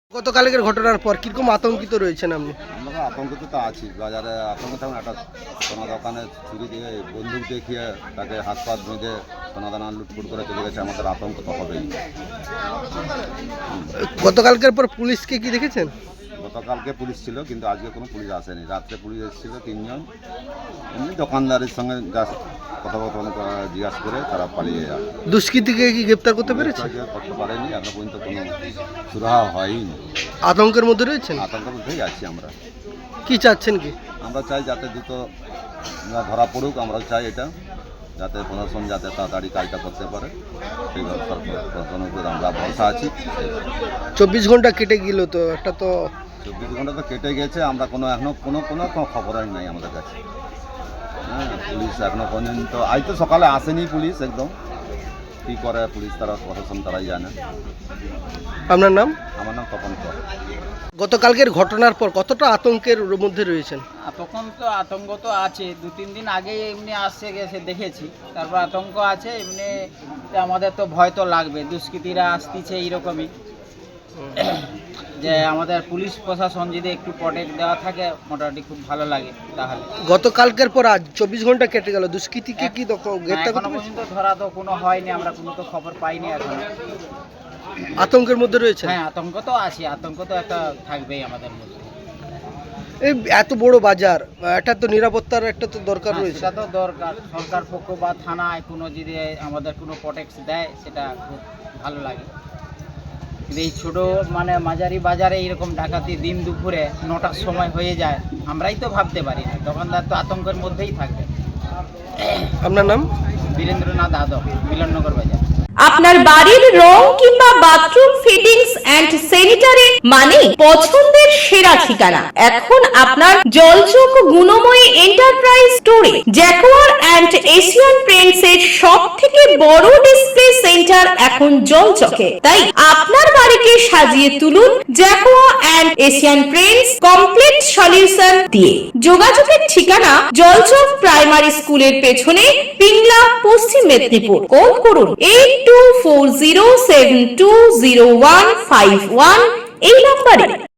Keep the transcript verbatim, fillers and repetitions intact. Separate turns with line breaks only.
গতকালকের ঘটনার পর কিরকম আতঙ্কিত রয়েছেন আপনি?
আমরা আতঙ্কিত তো আছি। বাজারে আতঙ্ক থাকুন, একটা সোনা দোকানে ছুরি দিয়ে বন্দুক দেখিয়ে তাকে হাত পাত বেঁধে সোনা দানা লুটফুট করে চলে গেছে। আমাদের আতঙ্ক তো হবেই।
গতকালকের পর পুলিশকে কি দেখেছেন?
গতকালকে পুলিশ ছিল, কিন্তু আজকে কোনো পুলিশ আসেনি। রাত্রে পুলিশ এসেছিল তিনজন, এমনি দোকানদারের সঙ্গে জাস্ট কথাবার্তা জিজ্ঞাসা করে তারা পালিয়ে যায়।
দুষ্কৃতীকে কি গ্রেপ্তার করতে পেরেছে?
করতে পারেনি, এখনো পর্যন্ত কোনো সুরাহা হয়নি।
আতঙ্কের মধ্যে রয়েছেন?
আতঙ্কের মধ্যেই আছি আমরা।
কি চাচ্ছেন কি?
আমরা চাই যাতে দ্রুত ধরা পড়ুক। আমরা চাই এটা যাতে প্রশাসন যাতে তাড়াতাড়ি কাজটা করতে পারে, সেই ব্যবস্থার প্রশাসনের উপর আমরা ভরসা আছি।
চব্বিশ ঘন্টা কেটে গেল তো, একটা তো
চব্বিশ ঘন্টা তো কেটে গেছে, আমরা কোনো এখনো কোনো কোনো খবরই নাই আমাদের কাছে। হ্যাঁ, পুলিশ এখনো পর্যন্ত আজ তো সকালে আসেনি পুলিশ। একদম কী করে পুলিশ, তারা প্রশাসন তারাই জানে।
আপনার নাম?
আমার নাম তপন কর।
গতকালকের ঘটনার পর কতটা আতঙ্কের মধ্যে রয়েছেন?
তখন তো আতঙ্ক তো আছে, দু তিন দিন আগে এমনি আসছে গেছে দেখেছি, তারপর আতঙ্ক আছে এমনি। আমাদের তো ভয় তো লাগবে, দুষ্কৃতীরা আসতেছে এইরকমই, যে আমাদের পুলিশ প্রশাসন যদি একটু প্রটেক্ট দেওয়া থাকে মোটামুটি খুব ভালো লাগে। তাহলে
গতকালকের পর আজ চব্বিশ ঘন্টা কেটে গেল, দুষ্কৃতীকে কি গ্রেপ্তার
এখনো পর্যন্ত ধরা তো কোনো হয়নি, আমরা কোনো তো খবর পাইনি এখন।
আতঙ্কের মধ্যে রয়েছে?
হ্যাঁ, আতঙ্ক তো আছে, আতঙ্ক তো একটা থাকবেই আমাদের মধ্যে।
এই এত বড় বাজার, একটা তো নিরাপত্তার একটা তো দরকার
হ্যাঁ,
রয়েছে।
সেটা তো দরকার। সরকার পক্ষ বা থানায় কোনো যদি আমাদের কোনো প্রোটেক্ট দেয় সেটা খুব ভালো লাগে। কিন্তু এই ছোটো মানে মাঝারি বাজারে এইরকম ডাকাতি দিন দুপুরে নটার সময় হয়ে যায়, আমরাই তো ভাবতে পারি না। দোকানদার তো আতঙ্কের মধ্যেই থাকবে।
আপনার নাম?
বীরেন্দ্রনাথ যাদব, মিলননগর বাজার।
আপনার বাড়ির রং কিংবা বাথরুম ফিটিংস এন্ড স্যানিটারি মানে পছন্দের সেরা ঠিকানা এখন আপনার জলচক গুণময়ী এন্টারপ্রাইজ স্টোরে। জ্যাকোয়ার এন্ড এশিয়ান পেইন্টস এর সব থেকে বড় ডিসপ্লে সেন্টার এখন জলচকে, তাই আপনার বাড়িকে সাজিয়ে তুলুন Jaquar and Asian Paints complete solution দিয়ে। যোগাযোগের ঠিকানা জলচক প্রাইমারি স্কুলের পেছনে, পিংলা, পশ্চিম মেদিনীপুর। কল করুন eight two four zero seven two zero one five one এই নম্বরে।